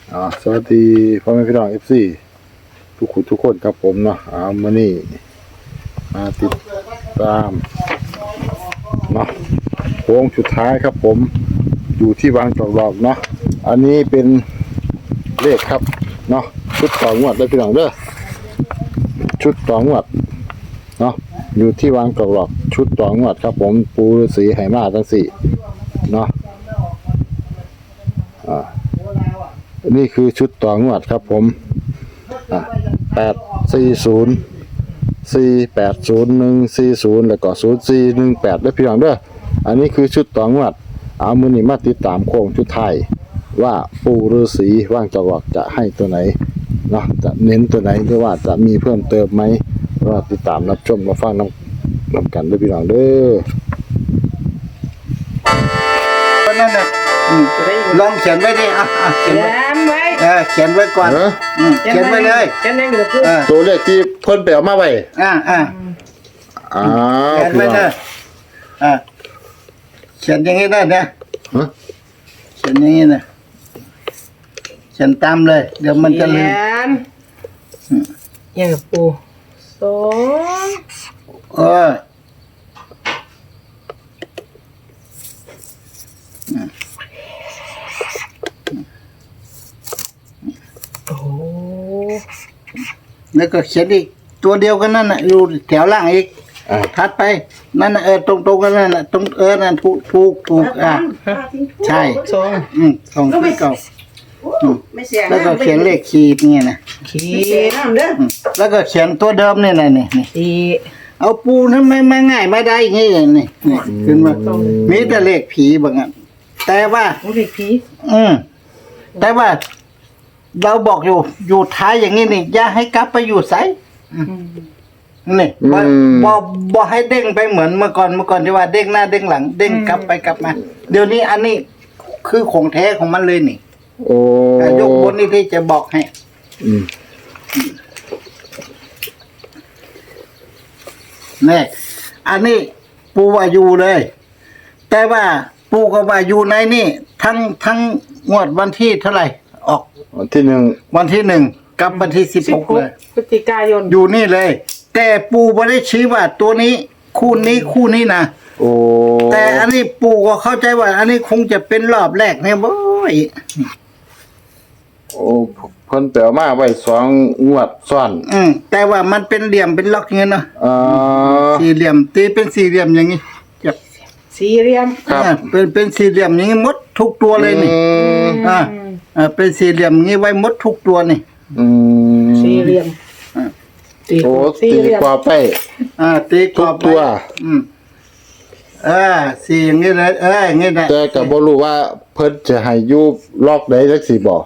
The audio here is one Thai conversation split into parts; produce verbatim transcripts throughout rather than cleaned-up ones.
อ่าสวัสดีพ่อแม่พี่น้อง เอฟ ซี ทุกคนทุกคนครับผมเนาะอ่ามื้อนี้มาติดตามเนาะโค้งสุดท้ายครับผมอยู่ที่วางจอกหลอกเนาะอันนี้เป็นเลขครับเนาะชุดต่องวดได้พี่น้องเด้อชุดต่องวดเนาะอยู่ที่วางจอกหลอกชุดต่องวดครับผมปูฤาษีไหมาทั้งสี่เนาะอ่านี่คือชุดต่องวดครับผมอ่ะแปดสี่ศูนย์สี่แปดศูนย์หนึ่งสี่ศูนย์แล้วก็ศูนย์สี่หนึ่งแปดได้พี่น้องเด้ออันนี้คือชุดต่องวดเอามือนี้มาติดตามโค้งชุดไทายว่าปู่ฤาษีว่างจอกจะให้ตัวไหนเนาะจะเน้นตัวไหนหรือว่าจะมีเพิ่มเติมไหมก็ติดตามรับชมมาฟังน้ำน้ำกันด้วยพี่น้องเด้อนั่นน่ะลองเขียนไว้ดิอ่ะเขียนไว้ไว้เออเขียนไว้ก่อนเขียนไว้เลยเขียนไว้เลยตัวเลขที่เพิ่นไปเอามาไว้อ่าอ่าอ้าเขียนไว้เลยอ่าเขียนอย่างนี้ได้นะเขียนอย่างนี้นะเขียนตามเลยเดี๋ยวมันจะลืมอย่างกับปูสองเออโอ้แล้วก็เขียนอีกตัวเดียวกันนั่นน่ะอยู่แถวล่างอีกทัดไปนั่นน่ะเออตรงตรงกันนั่นน่ะตรงเออนั่นถูกถูกถูกอ่ะใช่สองอืมสองที่เก่าแล้วก็เขียนเลขขีดนี่นะขีดแล้วก็เขียนตัวเดิมนี่นะนี่นี่ขีดเอาปูนั้นไม่ไม่ง่ายไม่ได้อย่างนี้นี่นี่ขึ้นมามีแต่เลขผีบางอันแต่ว่าเลขผีอืมแต่ว่าเราบอกอยู่อยู่ท้ายอย่างนี้นี่อย่าให้กลับไปอยู่ไสนี่บ่บ่บ่ให้เด้งไปเหมือนเมื่อก่อนเมื่อก่อนที่ว่าเด้งหน้าเด้งหลังเด้งกลับไปกลับมาเดี๋ยวนี้อันนี้คือของแท้ของมันเลยนี่โอ้ยกบนนี่ที่จะบอกให้อืมนี่อันนี้ปูว่าอยู่เลยแต่ว่าปูก็ว่าอยู่ในนี่ทั้งทั้งงวดวันที่เท่าไหร่ออกวันที่หนึ่งวันที่หนึ่งกับวันที่สิบหกเลยพฤศจิกายนอยู่นี่เลยแต่ปูไม่ได้ชี้ว่าตัวนี้คู่นี้คู่นี้นะโอ้แต่อันนี้ปูก็เข้าใจว่าอันนี้คงจะเป็นรอบแรกเนี่ยบ่อยโอ้เพิ่นแปลมาไว้สองงวดซ้อนอืมแต่ว่ามันเป็นเหลี่ยมเป็นล็อกอย่างเงี้ยเนาะอ่าสี่เหลี่ยมตีเป็นสี่เหลี่ยมอย่างงี้จับสี่เหลี่ยมครับเป็นเป็นสี่เหลี่ยมอย่างงี้หมดทุกตัวเลยนี่อ่าอ่าเป็นสี่เหลี่ยมอย่างงี้ไว้หมดทุกตัวนี่อืมสี่เหลี่ยมโอ้ตีกว่าไปอ่าตีกว่าตัวอืมเออสี่อย่างงี้เลยเอออย่างงี้นะแต่ก็บ่รู้ว่าเพิ่นจะให้อยู่ล็อกใดจักสิบ่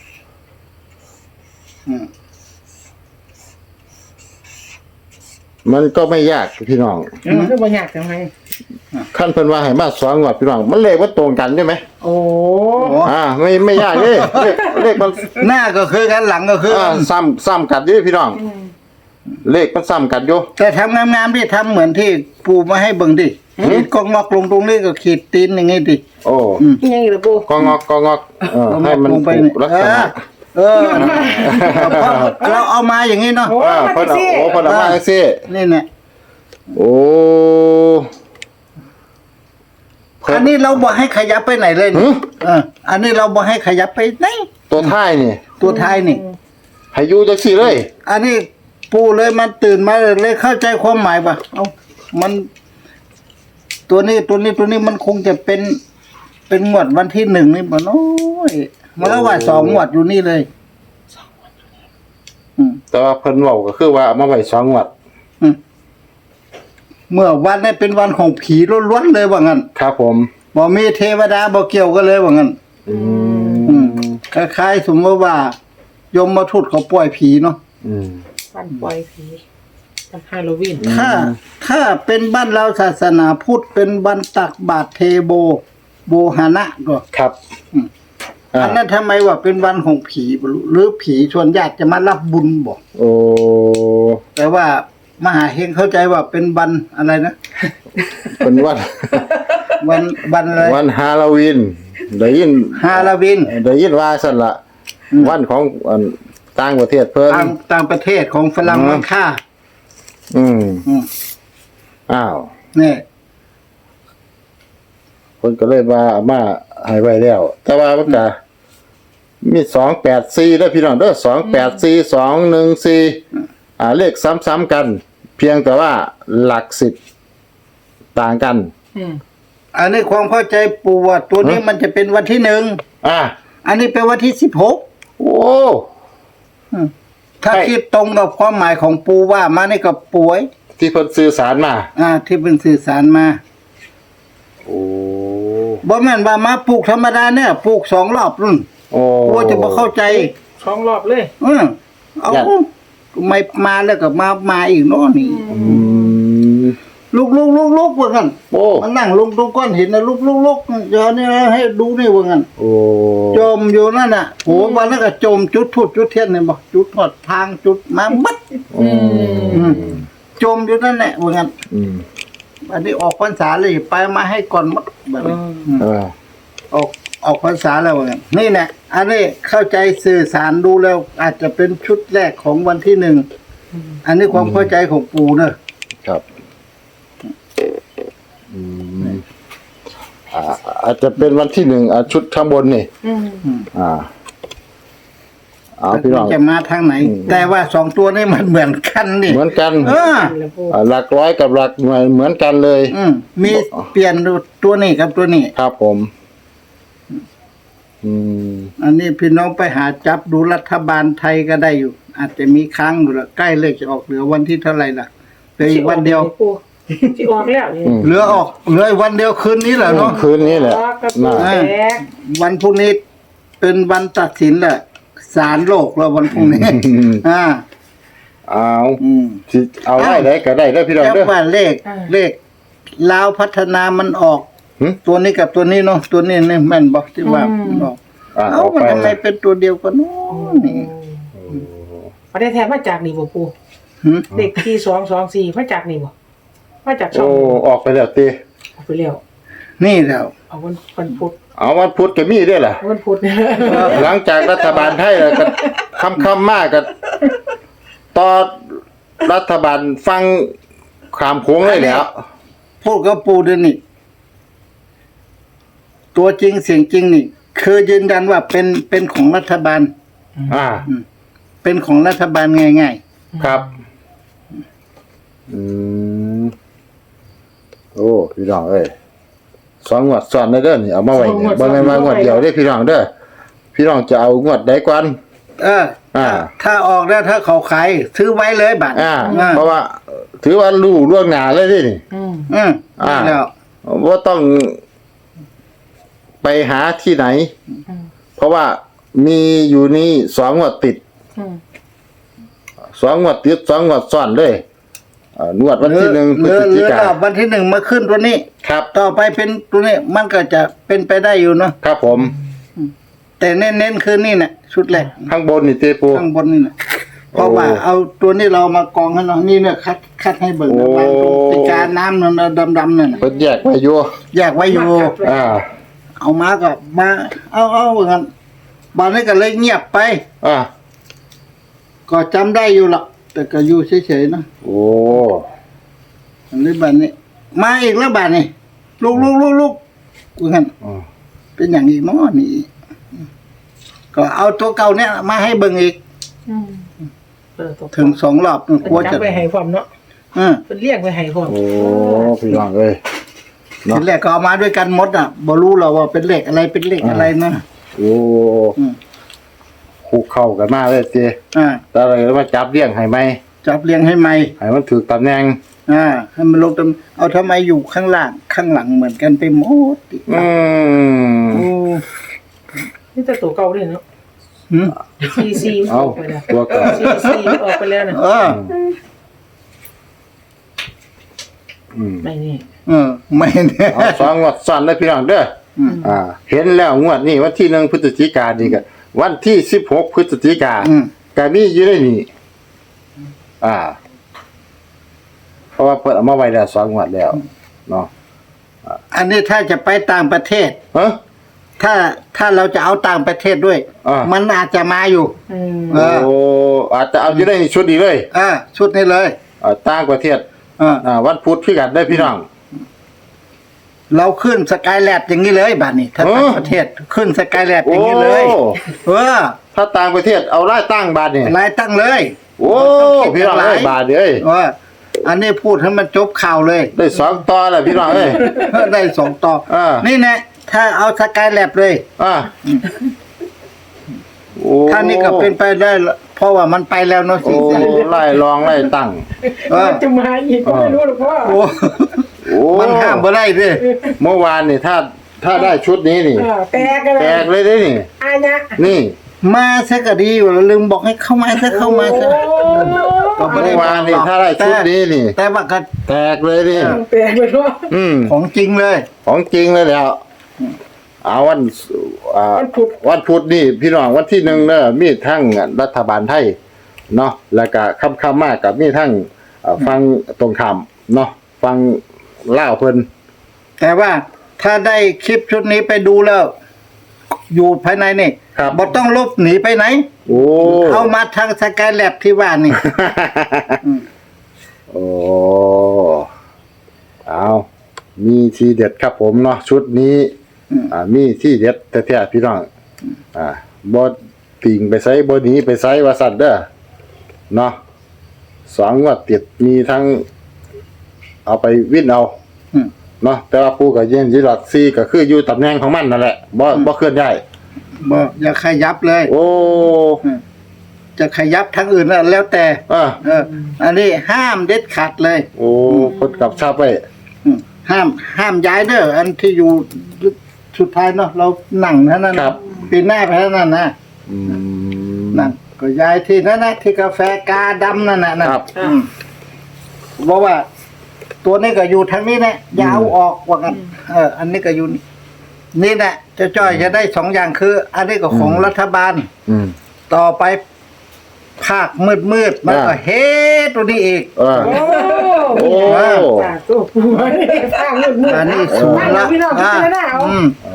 มันก็ไม่ยากพี่น้องมันก็บ่ยากจังไงขั้นเพิ่นว่าให้มาสองงวดพี่น้องมันเลขว่าตรงกันใช่ไหมโอ้อ่าไม่ไม่ยากเลยเลขเลขมันหน้าก็คือกันหลังก็คืออ่าซ้ำซ้ำกันอยู่พี่น้องเลขมันซ้ำกันอยู่แต่ทำงามๆดิทำเหมือนที่ปูมาให้เบิ่งดิขีดกองงอกลงตรงนี้ก็ขีดตีนอย่างงี้ดิโอ้ยังอีกล่ะปูกองงอกกองงอกเออให้มันไปลักษณะเออเราเอามาอย่างนี้เนาะเออเพิ่นเอาโอ้เพิ่นเอามาจังซี่นี่แหละโอ้อันนี้เราบอกให้ขยับไปไหนเลยนี่เอออันนี้เราบอกให้ขยับไปไหนตัวท้ายนี่ตัวท้ายนี่ให้อยู่จังซี่เลยอันนี้ปูเลยมันตื่นมาเลยเข้าใจความหมายป่ะเอ้ามันตัวนี้ตัวนี้ตัวนี้มันคงจะเป็นเป็นงวดวันที่หนึ่งนี่บ่น้อยมันแล้วว่าสองงวดอยู่นี่เลยแต่ว่าเพิ่นเว้าก็คือว่าเอามาไว้สองงวดเมื่อวันนี้เป็นวันของผีล้วนๆเลยว่างั้นครับผมบ่มีเทวดาบ่เกี่ยวกันเลยว่างั้นอืมคล้ายๆสมมติว่ายมมาทูตเขาปล่อยผีเนาะอืมวันปล่อยผีวันฮาโลวีนถ้าถ้าเป็นบ้านเราศาสนาพุทธเป็นวันตักบาตรเทโบโบหานะก็ครับอันนั้นทำไมว่าเป็นวันของผีหรือผีชวนญาติจะมารับบุญบ่โอ้แต่ว่ามหาเฮงเข้าใจว่าเป็นวันอะไรนะเป็นวันวันวันอะไรวันฮาโลวีนได้ยินฮาโลวีนได้ยินว่าซั่นล่ะวันของอันต่างประเทศเพิ่นต่างต่างประเทศของฝรั่งอืมมันค่าอืมอืมอ้าวนี่คนก็เลยว่าเอามาให้ไว้แล้ว แต่ว่ามันก็มีสองแปดสี่แล้วพี่น้องเด้อสองแปดสี่สองหนึ่งสี่อ่าเลขซ้ำๆกัน เพียงแต่ว่าหลักสิบต่างกันอืมอันนี้ความเข้าใจปู่ว่าตัวนี้ฮะมันจะเป็นวันที่หนึ่งอ่าอันนี้เป็นวันที่สิบหกโอ้ถ้าใช่คิดตรงกับความหมายของปู่ว่ามานี่ก็ป่วยที่เพิ่นสื่อสารมาอ่า ที่เป็นสื่อสารมาโอ้บ่แม่นว่ามาปลูกธรรมดาเนี่ยปลูกสองรอบรุ่นโอ้โอ้จะบ่เข้าใจสองรอบเลยเออเอาอยากไม่มาแล้วก็มามาอีกเนาะนี่อืมลุกลุกลุกลุกว่างั้นโอ้มันนั่งลงตรงก้อนหินนะลุกลุกลุกเดี๋ยวนี้ให้ดูนี่ว่างั้นโอ้จมอยู่นั่นน่ะโหวันนั้นก็จมจุดทูดจุดเทียนเนี่ยบอกจุดทอดทางจุดมาบัดอืมจมอยู่นั่นแหละว่างั้นอืมอันนี้ออกพรรษาเลยไปมาให้ก่อนหมดแบบนี้เออออกออกพรรษาแล้วว่างั้นนี่แหละอันนี้เข้าใจสื่อสารดูแล้ว อาจจะเป็นชุดแรกของวันที่หนึ่งอันนี้ความเข้าใจของปู่เนอะครับอืมอ่าอาจจะเป็นวันที่หนึ่งอ่าชุดข้างบนนี่อืมอ่าเอาพี่น้องจะมาทางไหนอืมแต่ว่าสองตัวนี้มันเหมือนกันนี่เหมือนกันเออแล้วปูอ่าหลักร้อยกับหลักหน่วยเหมือนกันเลยอืมมีเปลี่ยนตัวนี้กับตัวนี้ครับผม อืมอันนี้พี่น้องไปหาจับดูรัฐบาลไทยก็ได้อยู่ อาจจะมีค้างอยู่ละใกล้เลขจะออกเหลือวันที่เท่าไหร่ล่ะเหลืออีกวันเดียวปูสิออกแล้วนี่อืมเหลือออกเหลืออีกวันเดียวคืนนี้แหละเนาะคืนนี้แหละออกกับปูน่าแตกวันพรุ่งนี้เป็นวันตัดสินแหละศาลโลกแล้ววันพรุ่งนี้ อ่าเอาอืมสิเอาได้ได้ก็ได้ได้อพี่น้องแต่เด้อว่าเลขเลขลาวพัฒนามันออกหึตัวนี้กับตัวนี้เนาะตัวนี้นี่แม่นบอกที่ว่ามันออกอ่าเอ้าออกมันไปทำไมเป็นตัวเดียวกันเนาะนี่ประเทศแท้มาจากนี่บ่ปูหึเด็กที่สองสองสี่มาจากนี่บ่มาจากช่อโอ้งออกไปแล้วตีเอาไปแล้วนี่แล้วเอาวันวันพุธเอาวันพุธก็มีด้วยล่ะเอาวันพุธเนี่ยหลังจากรัฐบาลไทยแล้วก็คำคำๆมากก็ต่อรัฐบาลฟังขามโค้งเลยแหล้วพูดกับปูเดยวนี่ตัวจริงเสียงจริงนี่ คือยืนยันว่าเป็นเป็นของรัฐบาลอ่าเป็นของรัฐบาลง่ายครับ อืม โอ้พี่น้องเอ้ยสองงวดซ้อนได้เด้อนี่เอามาไว้เนี่ยบ่แม่นมางวดเดียวเด้อพี่น้องเด้อพี่น้องจะเอางวดใดก่อนๆ เอออ่าถ้าออกแล้วถ้าเขาขายซื้อไว้เลยบัตรอ่าอ่าเพราะว่า ถือว่ารู้ล่วงหน้าเลยเดินี่อืมอืมอ่าแล้วว่าต้องไปหาที่ไหนอืมเพราะว่ามีอยู่นี่สองงวดติดอืมสองงวดติดสองงวดซ้อนเลยอ่างวดวันที่หนึ่งพเหฤลือศเหจิลือกาแล้ววันที่หนึ่งมาขึ้นตัวนี้ครับต่อไปเป็นตัวนี้ มันก็จะเป็นไปได้อยู่เนาะครับผมแต่เน้นๆคือนี่น่ะชุดแรกข้างบนนี่เตปูข้างบนนี่น่ะเพราะว่าโอ้เอาตัวนี้เรามากองให้เนาะนี่เนี่ยคัดคัดให้เบิ่งนะโอ้วางตรงติกาน้ำนั่นน่ะดำๆนั่นน่ะเพิ่นแยกไว้อยู่แยกไว้อยู่อ่าเอามาก็มา เอาเอาเหมือนกันบานนี้ก็เลยเงียบไปอ่าก็จำได้อยู่หรอกแต่ก็อยู่เฉยๆเนาะโอ้อันนี้บานนี้ มาอีกแล้วบานนี้ลูกลูกลูกลูกกูเห็นอ่าเป็นอย่างอีกเนาะนี่ ก็เอาตัวเก่าเนี่ยมาให้เบิ่งอีกอืมเออตกถึงสองรอบกลัวจัจะบไปให้พร้อมเนาะอืมเป็นเรียกไปให้พร้อมโอ้พี่น้องเอ้ย เนาะทีแรกก็เอามาด้วยกันหมดอ่ะบ่รู้หรอกว่าเป็นเลขอะไรเป็นเลขอะไรนะโอ้อืมคู่เข้ากันมาเลยเจอ่าแต่อะไรมาจับเลี้ยงให้ไหมจับเรียงให้ใหม่ให้มันถูกตำแหน่งอ่าให้มันลงตำเอาทำไมอยู่ข้างล่างข้างหลังเหมือนกันไปหมดอีกอืมโอ้นี่แต่ตัวเก่าเลยเนาะหืมซีซีอเอาอกไปแล้วตัวเก่าซีซีออกไปแล้วนะเอออืมไม่นี่เออไม่เนี่ยเอาสองงวดซ้อนเลยพี่น้องเด้ออมอ่า เห็นแล้วงวดนี้วันที่หนึ่งพฤศจิกายนนี่ก็วันที่สิบหกพฤศจิกาอืมก็มีอยู่ในนี่อ่า เพราะว่าเปิดเอามาไว้แล้วสองงวดแล้วเนาะอันนี้ถ้าจะไปต่างประเทศฮะถ้าถ้าเราจะเอาต่างประเทศด้วยอ่ามัมันอาจจะมาอยู่อืมเออโอ้อาจจะเอาอยู่ในชุดนี้เลยเออชุดนี้เลยอ่าต่างประเทศเอออ่าวันพุธพี่กันได้พี่น้องเราขึ้นสกายแลบอย่างนี้เลยบัดนี้ถ้าเออต่างประเทศขึ้นสกายแลบอย่างนี้เลยโอ้เออถ้าต่างประเทศเอาไล่ตั้งบาทนี่รายตั้งเลยโอ้พี่น้องเอ้ยบาทเอ้ยเอออันนี้พูดให้มันจบข่าวเลยได้สองต่อแล้วพี่น้องเอ้ยได้สองต่ออ่านี่แนะถ้าเอาสกายแลบเลยอ่าโอ้ถ้านี่ก็เป็นไปได้ละเพราะว่ามันไปแล้วเนาะโอ้สิไล่ลองไล่ตั้งเออจะมาอีกก็ไม่รู้หรอกพ่อโอ้โอ้มันห้ามบ่ได้เด้เมื่อวานนี่ถ้าถ้าได้ชุดนี้นี่เออแตกกันเลแตยกเลยเด้นี่อาญะนี่มาซะก็ดีอยู่แล้วลืมบอกให้เข้ามาซะเข้ามาซะ ก็ไม่ได้เมื่อวานนี่ถ้าได้ชุดนี้นี่แต่ว่าก็แตกเลยนี่แตกเลยพ่ออืมของจริงเลยของจริงเลยแล้วเอาวันอ่าวันพุธวันพุธนี่พี่น้องวันที่หนึ่งเนอะมีทั้งรัฐบาลไทยเนาะแล้วก็คำคำมากกับมีทั้งเอ่อฟังตรงคำเนาะฟังเล่าวเพิ่นแต่ว่าถ้าได้คลิปชุดนี้ไปดูแล้ว อยู่ภายในนี่ครับบ่ต้องลบหนีไปไหนโอ้เอามาทางสกายแลบที่ว่านี่ อืมโอ้เอามีทีเด็ดครับผมเนาะชุดนี้อืมอ่ามีที่เด็ดแท้ๆพี่น้องอ่าบ่ติ่งไปไสบ่หนีไปไสว่าซั่นเด้อเนาะสองงวดติดมีทั้ง เอาไปวิ่นเอาอืมเนาะแต่ว่าปูกับเย็นยีหลักซีก็คืออยู่ตำแหน่งของมันนั่นแหละบ่บ่เคลื่อนย้ายบ่อย่าขยับเลยโอ้จะขยับทางอื่นน่ะแล้วแต่อ่าเออ อันนี้ห้ามเด็ดขาดเลยโอ้พดกับชาบไว้อืมห้าม ห้ามย้ายเด้ออันที่อยู่สุดท้ายเนาะเรานั่งเท่านั้นนะปีหน้าไปเท่านั้นนะอืมนั่นก็ย้ายที่นั่นนะที่กาแฟกาดำนั่นน่ะนะครับ อืมบอกว่า ตัวนี้ก็อยู่ทางนี้นะอยาวออกว่ากัน เออ อันนี้ก็อยู่นี่นี่แหละจะจ้อยจะได้สองอย่างคือ อันนี้ก็ของรัฐบาลอืมต่อไปภาคมืดมืดๆมันก็อ่าเฮ้ตัวนี้อีกเออโอ้โอ้จากตัวปูทางมืดมืดอันนี้สูงละพี่น้องพิอ่าจารณาเอาอืมโอ้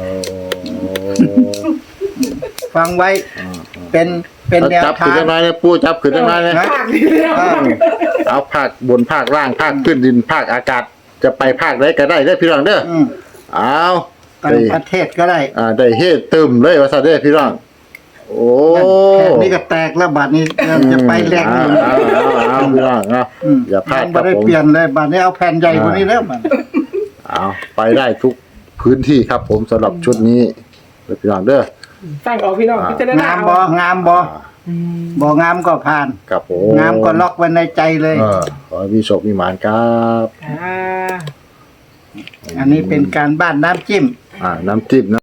ฟังไว้ เป็นเป็นแนวจับทาขึ้นงได้ไหมเนี่ยปูจับขึ้นได้ไหมเนี่ยนะภาคนี้แล้วอ่าเอาภาคบนภาคล่างภาคพื้นดินภาคอากาศ จะไปภาคใดก็ได้เด้อพี่น้องเด้ออืมเอาต่างได้ประเทศก็ได้อ่าได้เฮ็ดตึมเลยว่าซะเด้อพี่น้องโอ้แค่นี้ก็แตกแล้วบัดนี้เราจะไปแรงเอาอยู่เอาเอาเอาพี่น้องเอาอืมอย่าพลาดคไม่รับได้ผมเปลี่ยนเลยบัดนี้เอาแผ่นใหญ่กว่านี้แล้วบัดเอาไปได้ทุกพื้นที่ครับผมสำหรับชุดนี้เด้อพี่น้องเด้อฟังเอาพี่น้องพิจารณางามเอาบ่งามบ่อืมบ่งามก็ผ่านครับผมงามก็ล็อกไว้ในใจเลยเออขอให้มีโชคมีหมานครับอ่าอันนี้เป็นการบ้านน้ำจิ้มอ่าน้ำจิ้มนะ